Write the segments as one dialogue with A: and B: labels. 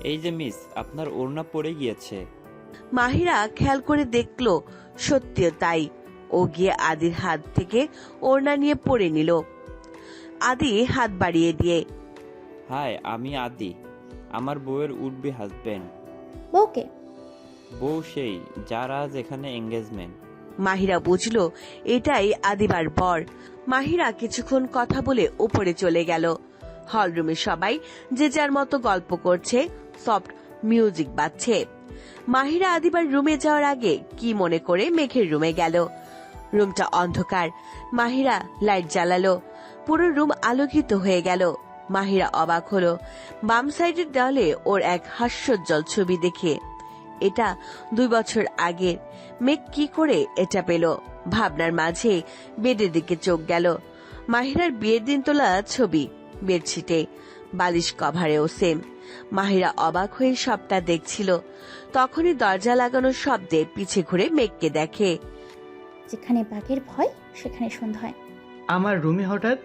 A: এই যে মিস, আপনার ওড়না পড়ে গিয়েছে।
B: মাহিরা খেয়াল করে দেখলো সত্যিও তাই। ও গিয়ে আদির হাত থেকে ওড়না নিয়ে পরে নিল। আদি হাত বাড়িয়ে দিয়ে,
A: হাই, আমি আদি। আমার বউয়ের উঠবি হাজবেন্ড।
C: বউকে?
A: বউ সেই, যার আজ এখানে এঙ্গেজমেন্ট।
B: মাহিরা বুঝলো এটাই আদিবার বর। মাহিরা কিছুক্ষণ কথা বলে উপরে চলে গেল। হলরুমে সবাই যে যার মতো গল্প করছে, সফট মিউজিক বাজছে। মাহিরা আদিবার রুমে যাওয়ার আগে কি মনে করে মেঘের রুমে গেল। রুমটা অন্ধকার। মাহিরা লাইট জ্বালালো। পুরো রুম আলোকিত হয়ে গেল। মাহিরা অবাক হলো বাম সাইডের দেওয়ালে ওর এক হাস্যোজ্জ্বল ছবি দেখে। এটা 2 বছর আগের। মেঘ কি করে এটা পেল? ভাবনার মাঝে বেডের দিকে চোখ গেল। মাহিরার বিয়ের দিন তোলা ছবি, বেডশিটে, বালিশ কভারেও সেম। মাহিরা অবাক হয়ে সবটা দেখছিল। তখনই দরজা লাগানোর শব্দে পিছে ঘুরে মেঘকে দেখে।
C: যেখানে বাঘের ভয় সেখানে সন্ধ্যা হয়।
D: আমার রুমে হঠাৎ?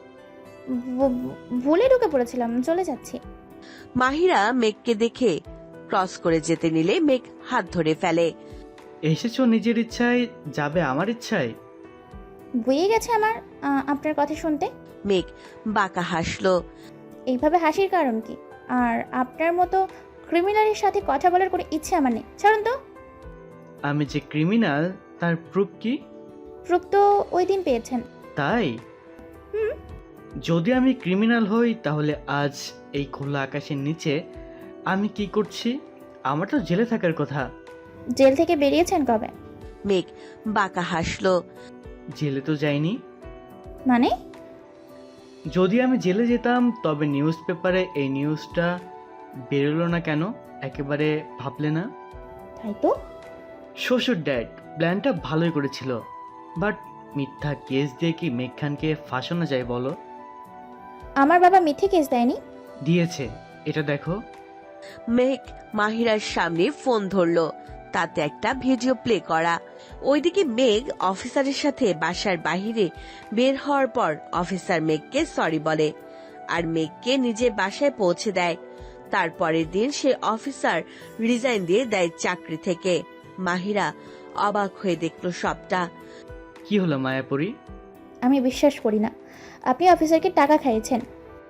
C: ভুলে ঢুকে পড়েছিলাম, চলে যাচ্ছি।
B: মাহিরা মেঘকে দেখে ক্রস করে যেতে নিলে মেঘ হাত ধরে ফেলে।
D: এসেছো নিজের ইচ্ছায়, যাবে আমার ইচ্ছায়?
C: বয়ে গেছে আমার আপনার কথা শুনতে।
B: মেঘ বাঁকা হাসলো।
C: এইভাবে হাসির কারণ কি? আর আপনার মতো ক্রিমিনালের সাথে কথা বলার কোনো ইচ্ছে আমার নেই, ছাড়ুন তো।
D: আমি যে ক্রিমিনাল তার প্রুফ কি?
C: প্রুফ তো ওই দিন পেয়েছেন।
D: তাই?
C: হুম।
D: যদি আমি ক্রিমিনাল হই তাহলে আজ এই খোলা আকাশের নিচে আমি কি করছি? আমার তো জেলে থাকার কথা।
C: জেল থেকে বেরিয়েছেন কবে?
B: মেঘ বাঁকা হাসলো।
D: জেলে তো যাইনি।
C: মানে?
D: যদি আমি জেলে যেতাম তবে নিউজ পেপারে এই নিউজটা বেরোলো না কেন? একেবারে ভাবলে না?
C: তাই তো।
D: শ্বশুর ড্যাড প্ল্যানটা ভালোই করেছিল, বাট মিথ্যা কেস দিয়ে কি মেঘ খানকে ফাঁসানো যায় বলো?
C: আমার বাবা মিথ্যে কেস দেয়নি।
D: দিয়েছে, এটা দেখো।
B: মেঘ মাহিরার সামনে ফোন ধরলো। তাতে একটা ভিডিও প্লে করা। ওইদিকে মেঘ অফিসারের সাথে বাসার বাহিরে বের হওয়ার পর অফিসার মেঘকে সরি বলে আর মেঘকে নিজের বাসায় পৌঁছে দেয়। তারপরের দিন সে অফিসার রিজাইন দিয়ে দেয় চাকরি থেকে। মাহিরা অবাক হয়ে দেখলো সবটা।
D: কি হলো মায়াপুরী?
C: আমি বিশ্বাস করি না আপনি অফিসারকে টাকা খাইয়েছেন।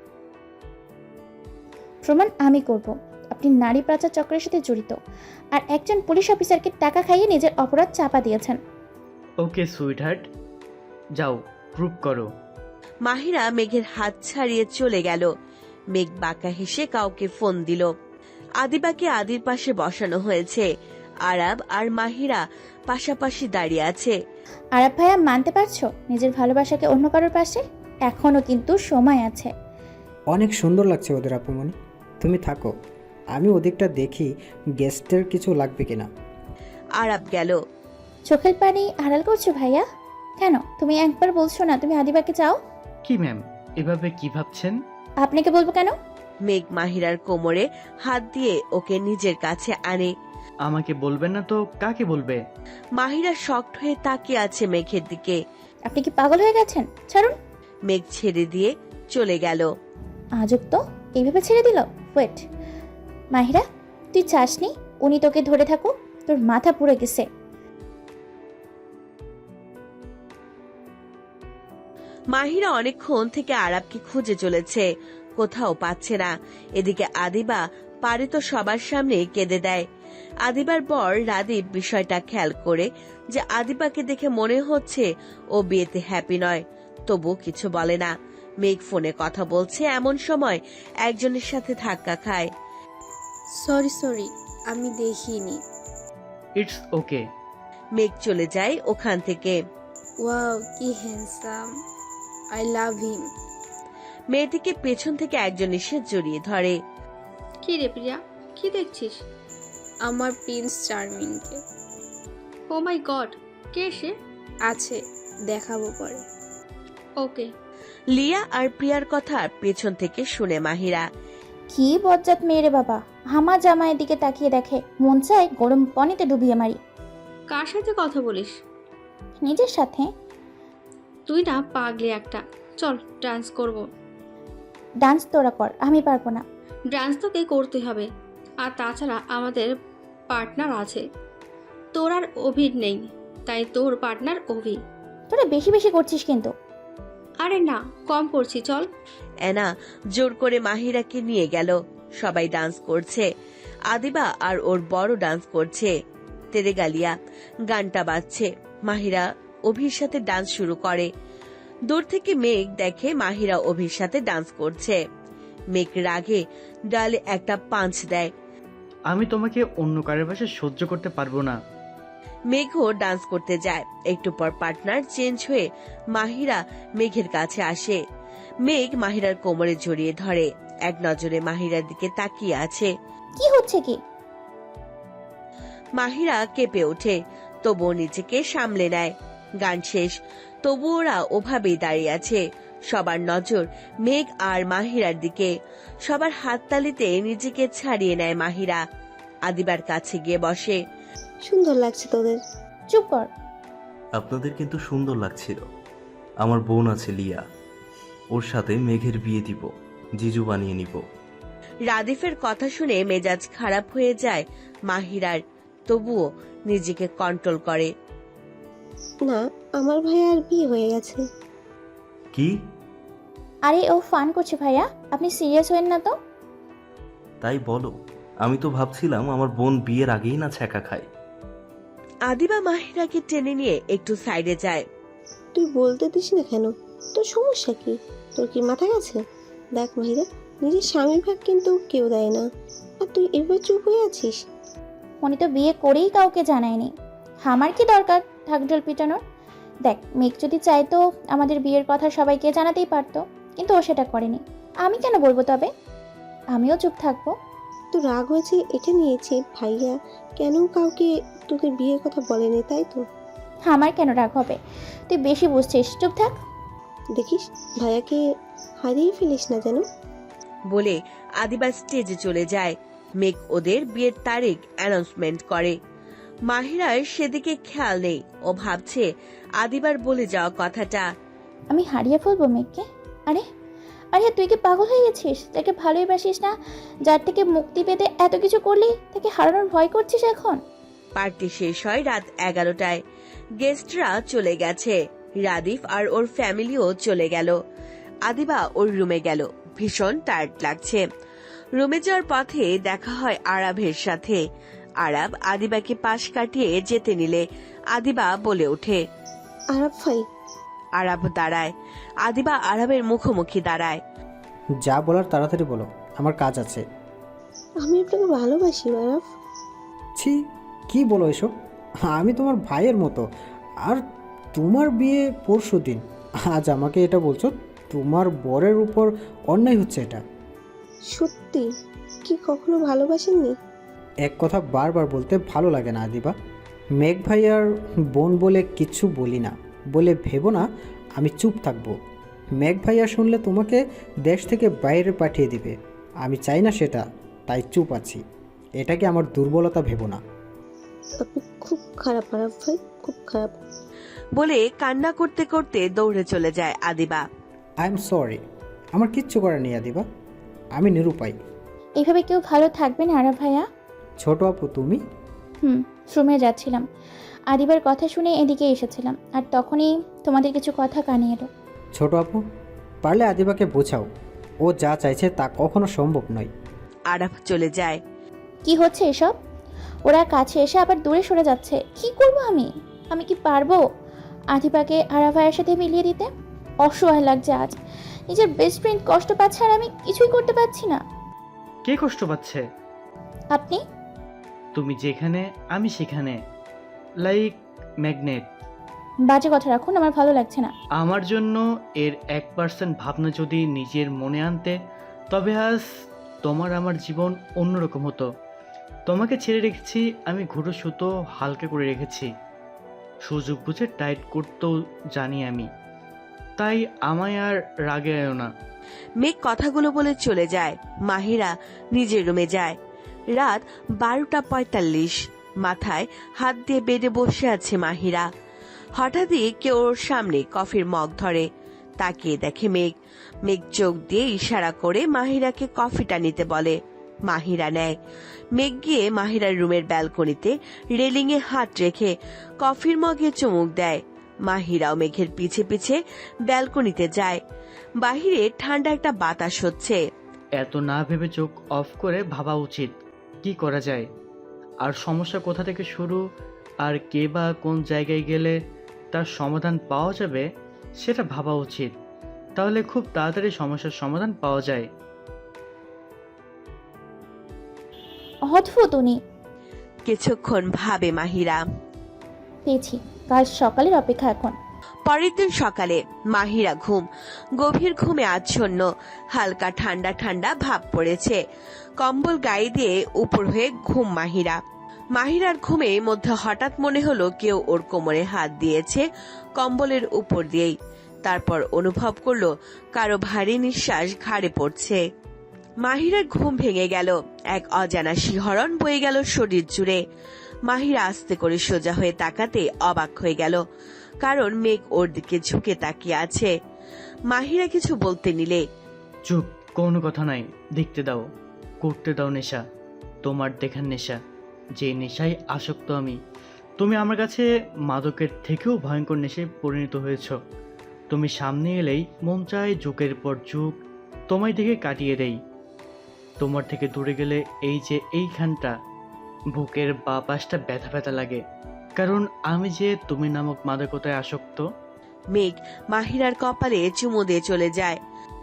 C: প্রমাণ আমি করব আপনি নারী পাচার চক্রের সাথে জড়িত, আর একজন পুলিশ অফিসারকে টাকা খাইয়ে নিজের অপরাধ চাপা দিয়েছেন।
D: ওকে সুইটহার্ট, যাও প্রুভ করো।
B: মাহিরা মেঘের হাত ছাড়িয়ে চলে গেল। মেঘ বাঁকা হেসে কাউকে ফোন দিল। আদিবাকে আদির পাশে বসানো হয়েছে। আরাব আর মাহিরা পাশাপাশি দাঁড়িয়ে আছে।
C: আরাব ভাইয়া, মানতে পারছো নিজের ভালোবাসাকে অন্য কারোর পাশে? এখনো কিন্তু সময় আছে।
E: অনেক সুন্দর লাগছে ওদের আপুমনি, তুমি থাকো, আমি ওদিকটা দেখি গেস্টের কিছু লাগবে কিনা।
B: আরাব গেল।
C: চোখের পানি আড়াল করছো ভাইয়া? কেন তুমি একবার বলছো না তুমি আদিবাকে চাও?
D: কি ম্যাম, এভাবে কি ভাবছেন?
C: আপনাকে বলবো কেন?
B: মেঘ মাহিরার কোমরে হাত দিয়ে ওকে নিজের কাছে আনে।
D: আমাকে বলবেন না তো কাকে বলবে?
B: মাহিরা শকড হয়ে তাকিয়ে আছে মেঘের দিকে।
C: আপনি কি পাগল হয়ে গেছেন? ছাড়ুন।
B: মেঘ ছেড়ে দিয়ে চলে গেল।
C: আজব তো, এইভাবে ছেড়ে দিল। ওয়েট মাহিরা, তুই চাসনি উনি তোকে ধরে থাকুক? তোর মাথা পুড়ে গেছে।
B: মাহিরা অনেকক্ষণ থেকে আরাবকে খুঁজে চলেছে, কোথাও পাচ্ছে না। এদিকে আদিবা পারে তো সবার সামনে কেঁদে দেয়। আদিবার বর রাদীপ বিষয়টা খেয়াল করে যে আদিবাকে দেখে মনে হচ্ছে ও বিয়েতে হ্যাপি নয়, তবু কিছু বলে না। মেঘ ফোনে কথা বলছে এমন সময় একজনের সাথে ধাক্কা খায়।
F: সরি আমি দেখিনি।
D: It's okay.
B: মেঘ চলে যায় ওখান থেকে।
F: ওয়াও কি হ্যান্ডসাম, আই লাভ হিম।
B: মেয়েটিকে পেছন থেকে একজন এসে জড়িয়ে ধরে।
G: কি রে প্রিয়া, কি দেখছিস?
F: আমার প্রিন্স চার্মিংকে।
G: ও মাই গড, কে সে?
F: আছে, দেখাবো পরে।
G: ওকে।
B: লিয়া আর প্রিয়ার কথা পেছন থেকে শুনে মাহিরা।
C: কি বজ্জাত মেয়ে রে বাবা, হামা জামাইয়ের দিকে তাকিয়ে দেখে, মন চায় গরম পানিতে ডুবিয়ে মারি।
G: কার সাথে কথা বলিস?
C: নিজের সাথে।
G: তুই না পাগলি একটা। চল ডান্স করব।
C: ডান্স তোরা কর, আমি পারবো না।
G: ডান্স তোকে করতে হবে। আর তাছাড়া আমাদের পার্টনার আছে। তোর আর অভির নেই, তাই তোর পার্টনার অভি।
C: তোরা বেশি বেশি করছিস কিন্তু।
G: আরে না, কম করছি, চল।
B: এনা জোর করে মাহিরাকে নিয়ে গেল। সবাই ডান্স করছে। আদিবা আর ওর বড় ডান্স করছে। তেরে গালিয়া গানটা বাজছে। মাহিরা অভির সাথে ডান্স শুরু করে। দূর থেকে মেঘ দেখে মাহিরা অভির সাথে ডান্স করছে। মেঘ রাগে ডালে একটা পাঞ্চ দেয়।
D: আমি তোমাকে অন্য কারোর পাশে সহ্য করতে পারবো না।
B: মেঘও ডান্স করতে যায়। একটু পর পার্টনার চেঞ্জ হয়ে মাহিরা মেঘের কাছে আসে। মেঘ মাহিরার কোমরে জড়িয়ে ধরে। এক নজরে মাহিরার দিকে তাকিয়ে আছে।
C: কি হচ্ছে কি?
B: মাহিরা কেঁপে ওঠে, তবুও নিজেকে সামলে নেয়। গান শেষ, তবু ওরা ওভাবেই দাঁড়িয়ে আছে। সবার নজর মেঘ আর মাহিরার দিকে। সবার হাততালিতে নিজেকে ছাড়িয়ে নেয় মাহিরা। আদিবার কাছে গিয়ে বসে।
F: সুন্দর লাগছে তোদের।
C: চুপ কর।
H: আপনাদের কিন্তু সুন্দর লাগছিল। আমার বোন আছে লিয়া, ওর সাথে মেঘের বিয়ে দিব, জিজু বানিয়ে নিব।
B: রাদিফের কথা শুনে মেজাজ খারাপ হয়ে যায় মাহিরার, তবুও নিজেকে কন্ট্রোল করে।
F: না, আমার ভাইয়ার বিয়ে হয়ে গেছে।
H: কি?
C: আরে ও ফান করছে ভাইয়া, আপনি সিরিয়াস হবেন না তো।
H: তাই বলো? আমি তো ভাবছিলাম আমার বোন বিয়ের আগেই না ছ্যাঁকা খায়।
B: আদিবা মাহিরাকে টেনে নিয়ে একটু সাইডে যায়।
F: তুই বলতে দিস না কেন? তোর সমস্যা কি? তোর কি মাথা গেছে? দেখ মাহিরা, নিজের স্বামীর ভাগ কিন্তু কেউ দেয় না, আর তুই এবার চুপ হয়ে আছিস।
C: উনি তো বিয়ে করেই কাউকে জানায়নি। আমার কি দরকার ঢাকঢোল পিটানোর? দেখ, মেঘ যদি চাইতো আমাদের বিয়ের কথা সবাইকে জানাতেই পারতো, কিন্তু ও সেটা করেনি। আমি কেন বলবো তবে? আমিও চুপ থাকবো।
F: তো রাগ হয়েছে এটা নিয়েছে ভাইয়া কেন কাউকে তোদের বিয়ের কথা বলেনি, তাই তো?
C: আমার কেন রাগ হবে? তুই বেশি বুঝছিস, চুপ থাক।
F: দেখিস ভাইয়াকে হারিয়ে ফেলিস না যেন।
B: বলে আদিবা স্টেজে চলে যায়। মেঘ ওদের বিয়ের তারিখ অ্যানাউন্সমেন্ট করে। মাহিরার সেদিকে খেয়াল নেই। ও ভাবছে আদিবার বলে যাওয়া কথাটা।
C: আমি হারিয়ে ফেলবো মেঘকে? আরে আরে তুই কি পাগল হয়ে গেছিস? তাকে ভালোই বাসিস না, যার থেকে মুক্তি পেতে এত কিছু করলি, তাকে হারানোর ভয় করছিস এখন?
B: পার্টি শেষ হয় রাত 11টায়। গেস্টরা চলে গেছে। রাদিফ আর ওর ফ্যামিলিও চলে গেল। আদিবা ওর রুমে গেল। ভীষণ টায়ার্ড লাগছে। রুমে যাওয়ার পথে দেখা হয় আরাবের সাথে। আরাব আদিবাকে পাশ কাটিয়ে যেতে নিলে আদিবা বলে ওঠে,
F: আরাব ভাই।
B: আরাব দাঁড়ায়। আদিবা আরাবের মুখোমুখি দাঁড়ায়।
E: যা বলার তাড়াতাড়ি বলো, আমার কাজ আছে।
F: আমি আপনাকে ভালোবাসি আরাব।
E: ছি, কি বলো এসব? আমি তোমার ভাইয়ের মতো। আর তোমার বিয়ে পরশুদিন, আজ আমাকে এটা বলছো? তোমার বরের উপর অন্যায় হচ্ছে এটা।
F: সত্যি কি কখনো ভালোবাসেননি?
E: এক কথা বারবার বলতে ভালো লাগে না আদিবা। মেঘ ভাইয়ার বোন বলে কিচ্ছু বলি না বলে ভেবো না আমি চুপ থাকবো। মেঘ ভাইয়া শুনলে তোমাকে দেশ থেকে বাইরে পাঠিয়ে দিবে। আমি চাই না সেটা, তাই চুপ আছি। এটাকে আমার দুর্বলতা ভেবো না।
F: আপনি খুব খারাপ আরাব ভাই, খুব খারাপ।
B: বলে কান্না করতে করতে দৌড়ে চলে যায় আদিবা।
E: আই এম সরি, আমার কিচ্ছু করার নেই আদিবা, আমি নিরুপায়।
C: এইভাবে কেউ ভালো থাকবে না আরাব ভাইয়া।
E: ছোট আপু তুমি?
C: রুমে যাচ্ছিলাম, আদিবার কথা শুনে এদিকে এসেছিলাম, আর তখনই তোমাদের কিছু কথা কানে এলো।
E: ছোট আপু, পারলে আদিবাকে বোঝাও, ও যা চাইছে তা কখনো সম্ভব নয়।
B: আরাব চলে যায়।
C: কি হচ্ছে এসব? ওরা কাছে এসে আবার দূরে সরে যাচ্ছে। কি করব আমি? আমি কি পারবো আদিবাকে আরাব ভাইয়ের সাথে মিলিয়ে দিতে? অসহায় লাগছে আজ। নিজের বেস্ট ফ্রেন্ড কষ্ট পাচ্ছে আর আমি কিছুই করতে পারছি না।
D: কে কষ্ট পাচ্ছে?
C: আপনি।
D: তুমি যেখানে আমি সেখানে, লাইক ম্যাগনেট।
C: বাজে কথা রাখুন, আমার ভালো লাগছে না।
D: আমার জন্য এর 1% ভাবনা যদি নিজের মনে আনতে, তবে আজ তোমার আমার জীবন অন্যরকম হতো। তোমাকে ছেড়ে রেখেছি আমি, ঘুরো সুতো হালকা করে রেখেছি, সুযোগ বুঝে টাইট করতেও জানি আমি, তাই আমায় আর রাগে আয়ো না।
B: মেঘ কথাগুলো বলে চলে যায়। মাহিরা নিজের রুমে যায়। রাত 12:45। মাথায় হাত দিয়ে বেডে বসে আছে মাহিরা। হঠাৎই কেউ ওর সামনে কফির মগ ধরে। তাকিয়ে দেখে মেঘ। মেঘ চোখ দিয়ে ইশারা করে মাহিরাকে কফিটা নিতে বলে। মাহিরা নেয়। মেঘ গিয়ে মাহিরার রুমের ব্যালকনিতে রেলিংয়ে হাত রেখে কফির মগে চুমুক দেয়। মাহিরাও মেঘের পিছে পিছে ব্যালকনিতে যায়। বাহিরে ঠান্ডা একটা বাতাস হচ্ছে।
D: এত না ভেবে চোখ অফ করে ভাবা উচিত কি করা যায়, আর সমস্যা কোথা থেকে শুরু, আর কে বা কোন জায়গায় গেলে তার সমাধান পাওয়া যাবে সেটা ভাবা উচিত। তাহলে খুব তাড়াতাড়ি সমস্যার সমাধান পাওয়া যায়।
C: অদ্ভুত উনি।
B: কিছুক্ষণ ভাবে মাহিরা।
C: পেয়েছি, কাল সকালের অপেক্ষা এখন।
B: পরের দিন সকালে মাহিরা গভীর ঘুমে আচ্ছন্ন। হালকা ঠান্ডা ঠান্ডা ভাব পড়েছে। কম্বল গায়ে দিয়ে উপর হয়ে ঘুম মাহিরার ঘুমে মধ্যে হঠাৎ মনে হলো কেউ ওর কোমরে হাত দিয়েছে কম্বলের উপর দিয়েই। তারপর অনুভব করলো কারো ভারী নিঃশ্বাস ঘাড়ে পড়ছে। মাহিরার ঘুম ভেঙে গেল। এক অজানা শিহরণ বয়ে গেল শরীর জুড়ে। মাহিরা আস্তে করে সোজা হয়ে তাকাতে অবাক হয়ে গেল, কারণ মেঘ ওর দিকে ঝুঁকে তাকিয়ে আছে। মাহিরা কিছু বলতে নিলে,
D: চুপ, কোনো কথা নাই, দেখতে দাও, করতে দাও নেশা, তোমার দেখার নেশা, যে নেশায় আসক্ত আমি। তুমি আমার কাছে মাদকের থেকেও ভয়ঙ্কর নেশায় পরিণত হয়েছ। তুমি সামনে এলেই মন চায় যুগের পর যুগ তোমায় দেখে কাটিয়ে দেই। তোমার থেকে দূরে গেলে এই যে এইখানটা বুকের বা পাশটা ব্যথা ব্যথা লাগে, কারণ আমি যে তুমি নামক মাদকতায় আসক্ত।
B: মেঘ মাহিরার কপালে চুমু দিয়ে চলে যায়।